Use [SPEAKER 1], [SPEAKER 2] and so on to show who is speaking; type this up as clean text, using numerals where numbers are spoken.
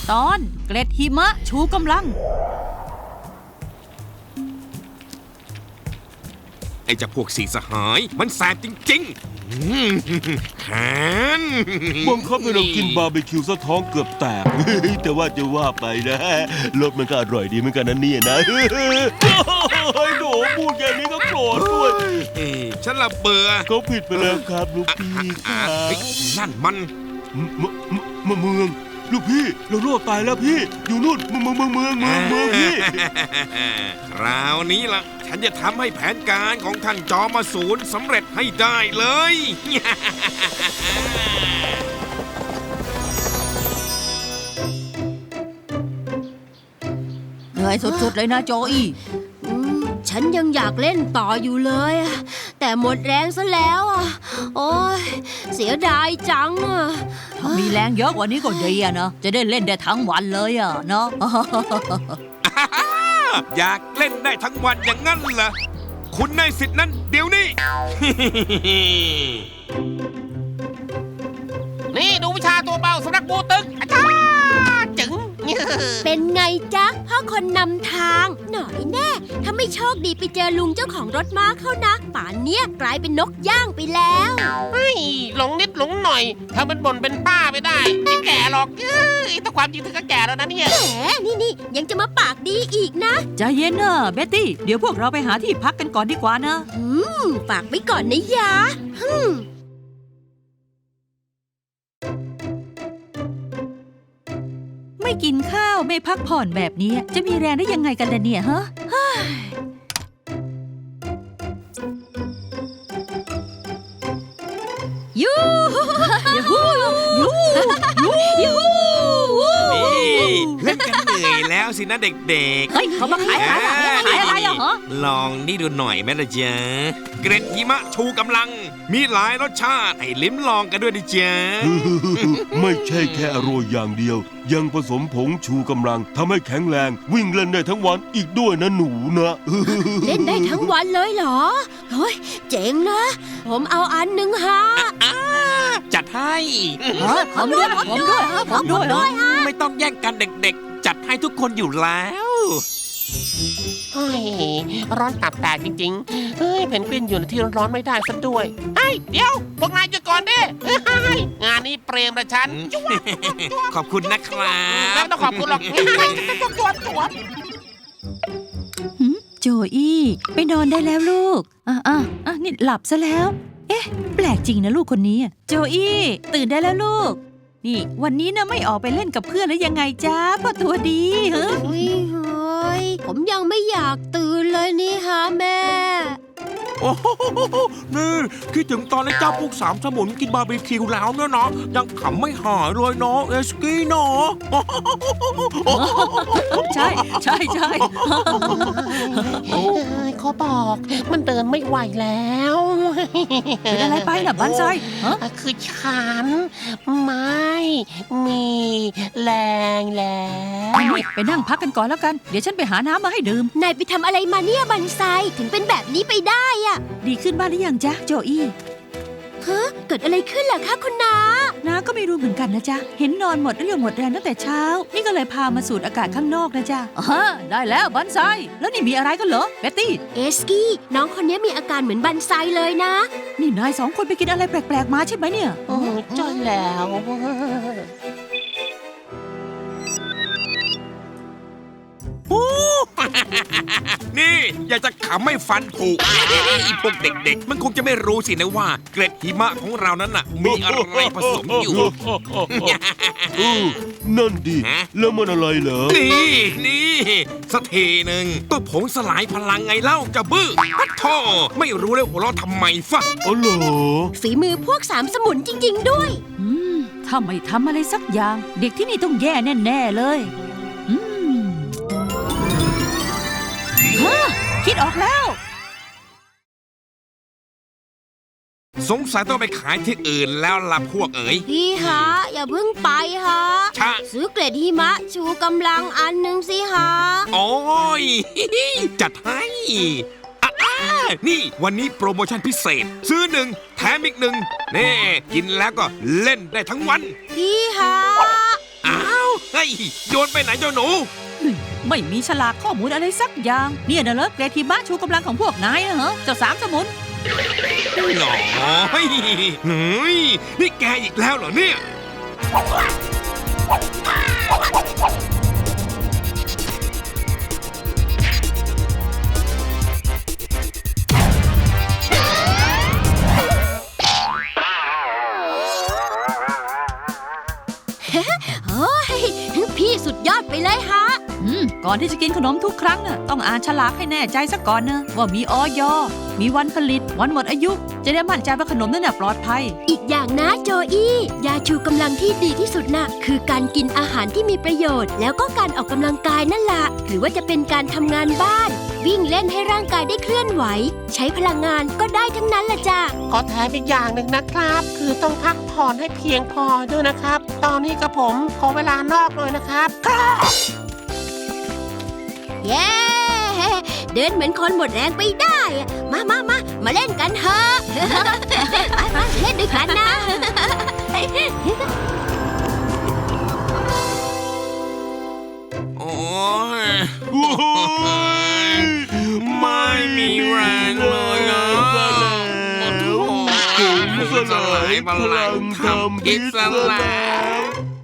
[SPEAKER 1] ตอนเกล็ดหิมะชูกำลัง
[SPEAKER 2] ไอ้เจ้าพวกสีสหายมันแสบจริงๆแขน
[SPEAKER 3] บังคับให้เรากินบาร์บีคิวซะท้องเกือบแตก แต่ว่าจะว่าไปนะรสมันก็อร่อยดีเหมือนกันนะเนี่ยนะโอ้ยโหพูดอย่างนี้ก็โกรธด้วย
[SPEAKER 2] ฉันละเบื่อ
[SPEAKER 3] เขาผิดไปแล้วครับลูกพี่ครับ
[SPEAKER 2] นั่นมัน
[SPEAKER 3] เมืองลูกพี่เราโลดตายแล้วพี่อยู่นู่นเมืองพี่
[SPEAKER 2] คราวนี้ล่ะฉันจะทำให้แผนการของท่านจอมาศูนย์สำเร็จให้ได้เลย
[SPEAKER 1] เหนื่อยสุดๆเลยนะโจอี้
[SPEAKER 4] ฉันยังอยากเล่นต่ออยู่เลยแต่หมดแรงซะแล้วโอ้ยเสียดายจัง
[SPEAKER 1] ถ้ามีแรงเยอะกว่านี้ก็ดีอะนะจะได้เล่นได้ทั้งวันเลยอะเนาะ
[SPEAKER 2] อยากเล่นได้ทั้งวันอย่างนั้นเหรอคุณในสิทธินั้นเดี๋ยวนี้
[SPEAKER 5] นี่ดูวิชาตัวเบาสำนักปูตึกอาจารย์จึง
[SPEAKER 4] เป็นไงจ๊ะพ่อคนนำทางหน่อยแน่ถ้าไม่โชคดีไปเจอลุงเจ้าของรถม้าเข้านะป่านเนี้ยกลายเป็นนกย่างไปแล้ว
[SPEAKER 5] เฮ้ยหลงนิดหลงหน่อยถ้ามันบ่นเป็นป้าไม่ได้ไม่แก่หรอกแต่ความจริงเธอก็แก่แล้วนะเนี่ย
[SPEAKER 4] แหมนี่ยังจะมาปากดีอีกนะ
[SPEAKER 1] ใจเย็นนะเบ็ตตี้เดี๋ยวพวกเราไปหาที่พักกันก่อนดีกว่านะ
[SPEAKER 4] ฝากไว้ก่อนนะยะ
[SPEAKER 1] ไม่กินข้าวไม่พักผ่อนแบบนี้จะมีแรงได้ยังไงกันล่ะเนี่ยฮะยูยูยูยู
[SPEAKER 2] นี่เล่นกันเหนื่อยแล้วสินะเด็กๆ
[SPEAKER 1] เฮ้ยเขามาขายอะไรเหรอ
[SPEAKER 2] ลองนี่ดูหน่อยแม่ละจ๊ะเกร็ดหิมะชูกำลังมีหลายรสชาติให้ลิ้มลองกันด้วยดิจ๊ะ
[SPEAKER 3] ไม่ใช่แค่อร่อยอย่างเดียวยังผสมผงชูกำลังทำให้แข็งแรงวิ่งเล่นได้ทั้งวันอีกด้วยนะหนูนะ
[SPEAKER 4] เล่นได้ทั้งวันเลยเหรอเฮ้ยเจ๋งนะผมเอาอันหนึ่งฮะ
[SPEAKER 2] จัดให้
[SPEAKER 1] ผมด้วยฮะ
[SPEAKER 2] ไม่ต้องแย่งกันเด็กๆจัดให้ทุกคนอยู่แล้ว
[SPEAKER 5] เฮ้ยร้อนตับแตกจริงๆเฮ้ยเพนกวินอยู่ในที่ร้อนๆไม่ได้ซะด้วยเฮ้ยเดี๋ยวพวกนายหยุดก่อนดิงานนี้เปรมละฉัน
[SPEAKER 2] ขอบคุณนะครับ
[SPEAKER 5] ไม่ต้องขอบคุณหรอกจวด
[SPEAKER 1] โจอี้ไปนอนได้แล้วลูกนี่หลับซะแล้วเอ๊ะแปลกจริงนะลูกคนนี้โจอี้ตื่นได้แล้วลูกนี่วันนี้นะไม่ออกไปเล่นกับเพื่อนแล้วยังไงจ้าพ่อตัวดีเฮ้
[SPEAKER 4] ยผมยังไม่อยากตื่นเลยนี่ฮะแม่
[SPEAKER 2] โอ้โหนี่คิดถึงตอนไอ้เจ้าพวกสามสมุนกินบาร์บีคิวแล้วเนี่ยนะยังขำไม่หายเลยเนาะเอสกี้เนาะ
[SPEAKER 1] ใช่
[SPEAKER 5] เขาบอกมันเดินไม่ไหวแล้ว
[SPEAKER 1] เป็นอะไรไปล่ะบ้านซอย
[SPEAKER 5] คือฉันไม่มีแรงแล้ว
[SPEAKER 1] ไปนั่งพักกันก่อนแล้วกันเดี๋ยวฉันไปหาน้ำมาให้ดื่ม
[SPEAKER 4] นายไปทำอะไรมาเนี่ยบันไซถึงเป็นแบบนี้ไปได้อะ
[SPEAKER 1] ดีขึ้นบ้างหรือยังจ๊ะโจอี้
[SPEAKER 4] เกิดอะไรขึ้นล่ะคะคุณน้า
[SPEAKER 1] ก็ไม่รู้เหมือนกันนะจ๊ะเห็นนอนหมดเรี่ยวหมดแรงตั้งแต่เช้านี่ก็เลยพามาสูดอากาศข้างนอกนะจ๊ะได้แล้วบันไซแล้วนี่มีอะไรกันเหรอเบ็ตตี้
[SPEAKER 4] เอสกี้น้องคนนี้มีอาการเหมือนบันไซเลยนะ
[SPEAKER 1] นี่นายสองคนไปกินอะไรแปลกๆมาใช่ไหมเนี่ย
[SPEAKER 5] ใช่แล้ว
[SPEAKER 2] นี่อยากจะขำไม่ฟันผุอีพวกเด็กๆมันคงจะไม่รู้สินะว่าเกล็ดหิมะของเรานั้นน่ะมีอะไรผสมอยู่
[SPEAKER 3] นั่นดิแล้วมันอะไรเหรอ
[SPEAKER 2] นี่สักทีหนึ่งก็ผงสลายพลังไงเล่าจะบื้อพัดท่อไม่รู้เลยหัวเราะทำไมฟะ
[SPEAKER 3] อ๋อเหรอ
[SPEAKER 4] ฝีมือพวกสามสมุนจริงๆด้วย
[SPEAKER 1] ถ้าไม่ทำอะไรสักอย่างเด็กที่นี่ต้องแย่แน่ๆเลยคิดออกแล้ว
[SPEAKER 2] สงสัยต้องไปขายที่อื่นแล้วล่ะพวกเอ๋ย
[SPEAKER 4] พี่ฮะอย่าเพิ่งไปฮะซื้อเกล็ดหิมะชูกำลังอันหนึ่งสิฮะ
[SPEAKER 2] โอ้ยจัดให้นี่วันนี้โปรโมชั่นพิเศษซื้อหนึ่งแถมอีกหนึ่งนี่กินแล้วก็เล่นได้ทั้งวัน
[SPEAKER 4] พี่ฮะ
[SPEAKER 2] อ้าวเฮ้ยโยนไปไหนเจ้าหนู
[SPEAKER 1] ไม่มีฉลากข้อมูลอะไรสักอย่าง เนี่ยนะเหรอเกรดหิมะชูกำลังของพวกนายนะเหรอเจ้าสามสมุน
[SPEAKER 2] หน่อยเฮ้ยนี่แกอีกแล้วเหรอเนี่ย
[SPEAKER 4] โอ้ยพี่สุดยอดไปเลยฮะ
[SPEAKER 1] ก่อนที่จะกินขนมทุกครั้งน่ะต้องอ่านฉลากให้แน่ใจซะก่อนนะว่ามีออยมีวันผลิตวันหมดอายุ จะได้มั่นใจว่าขนมนั้นน่ะปลอดภัย
[SPEAKER 4] อีกอย่างนะโจอี้ยาชูกำลังที่ดีที่สุดน่ะคือการกินอาหารที่มีประโยชน์ แล้วก็การออกกำลังกายนั่นแหละหรือว่าจะเป็นการทำงานบ้าน วิ่งเล่นให้ร่างกายได้เคลื่อนไหว ใช้พลังงานก็ได้ทั้งนั้นแหละจ้ะ
[SPEAKER 5] ขอแถมอีกอย่างหนึ่งนะครับ คือต้องพักผ่อนให้เพียงพอด้วยนะครับ ตอนนี้กับผมขอเวลานอกหน่อยนะครับ
[SPEAKER 4] เย้ เดินเหมือนคนหมดแรงไปได้อะมาเล่นกันเถอะ มาเล่นด้วยกันนะ
[SPEAKER 2] โอ้ย
[SPEAKER 3] โอ้ย
[SPEAKER 2] ไม่มีแรงเลยอ่ะ
[SPEAKER 3] ผมสลายพลังทำอิสระ